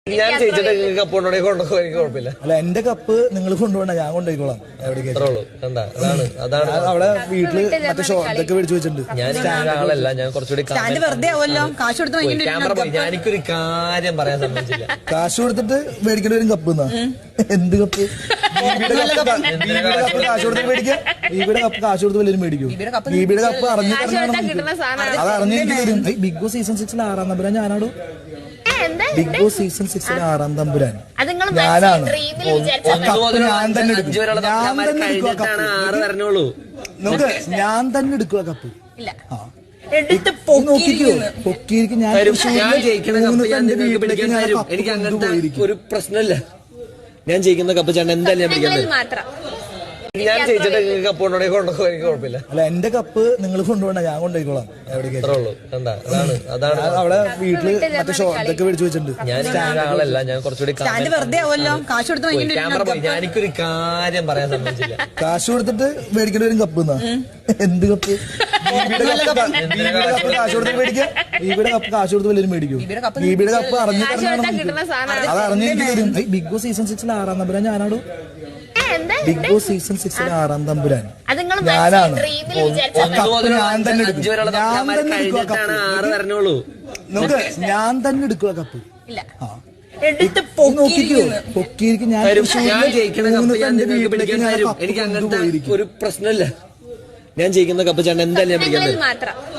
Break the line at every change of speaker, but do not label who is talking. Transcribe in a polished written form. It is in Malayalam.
ഞാൻ ചേച്ചിയുടെ കപ്പ് കൊണ്ടുപോയി കുഴപ്പമില്ല.
അല്ല, എന്റെ കപ്പ് നിങ്ങൾ കൊണ്ടുപോകണ്ട, ഞാൻ കൊണ്ടുപോയിക്കോളാം.
അതാണ്
അവിടെ വീട്ടില് മറ്റേ ഷോട്ടൊക്കെ മേടിച്ചു വെച്ചിട്ടുണ്ട്.
ഞാൻ ആളല്ല, ഞാൻ കുറച്ചുകൂടി
ക്യാമറ
ഞാനിക്കൊരു കാര്യം പറയാൻ സമ്മതിച്ചില്ല.
കാശ് കൊടുത്തിട്ട് മേടിക്കേണ്ടി വരും കപ്പ് എന്നാ. എന്ത് കപ്പ്? കാശ് കൊടുത്ത് മേടിക്കാം. ബീബിയുടെ കപ്പ് കാശ് കൊടുത്ത് വല്ലതും മേടിക്കും. ബീബിയുടെ കപ്പ് അത് അറിഞ്ഞെനിക്ക് തരും. ബിഗ് ബോസ് സീസൺ 6 6-ാം നമ്പരാൻ ഞാനാടോ. ബിഗ് ബോസ് സീസൺ 6 6-ാം തമ്പുരാൻ ഞാനാണ്. ഞാൻ തന്നെ എടുക്കും. ഞാൻ തന്നെ എടുക്കുക കപ്പ്. നോക്കിക്കോ, പൊക്കിയിരിക്കും. ഞാൻ
എനിക്ക് അങ്ങനത്തെ ഒരു പ്രശ്നമില്ല. ഞാൻ ജയിക്കുന്ന കപ്പ് ചേട്ടൻ എന്തായാലും ഞാൻ പിടിക്കുന്നത്. ഞാൻ ചേച്ചിയുടെ കപ്പ് കൊണ്ടുപോയി കുഴപ്പമില്ല.
അല്ല, എന്റെ കപ്പ് നിങ്ങൾ കൊണ്ടുപോകണ്ട, ഞാൻ കൊണ്ടുപോയിക്കോളാം.
അതാണ്
അവിടെ വീട്ടില് മറ്റേ ഷോട്ടൊക്കെ മേടിച്ചു വെച്ചിട്ടുണ്ട്.
ഞാൻ ആളല്ല, ഞാൻ കുറച്ചുകൂടി
ക്യാമറ
ഞാനിക്കൊരു കാര്യം പറയാൻ സമ്മതിച്ചില്ല.
കാശ് കൊടുത്തിട്ട് മേടിക്കേണ്ടി വരും കപ്പ് എന്നാ. എന്ത് കപ്പ്? കാശ് കൊടുത്ത് മേടിക്കാം. ബീബിയുടെ കപ്പ് കാശ് കൊടുത്ത് വല്ലതും മേടിക്കും. ബീബിയുടെ കപ്പ് അത് അറിഞ്ഞെനിക്ക് തരും. ബിഗ് ബോസ് സീസൺ 6 6-ാം നമ്പരാൻ ഞാനാടോ. ബിഗ് ബോസ് സീസൺ 6 6-ാം തമ്പുരാൻ ഞാനാണ്. ഞാൻ തന്നെ എടുക്കും. ഞാൻ തന്നെ എടുക്കുക കപ്പ്. നോക്കിക്കോ, പൊക്കിയിരിക്കും. ഞാൻ
എനിക്ക് അങ്ങനത്തെ ഒരു പ്രശ്നമില്ല. ഞാൻ ജയിക്കുന്ന കപ്പ് ചേട്ടൻ എന്തായാലും ഞാൻ പിടിക്കുന്നത്.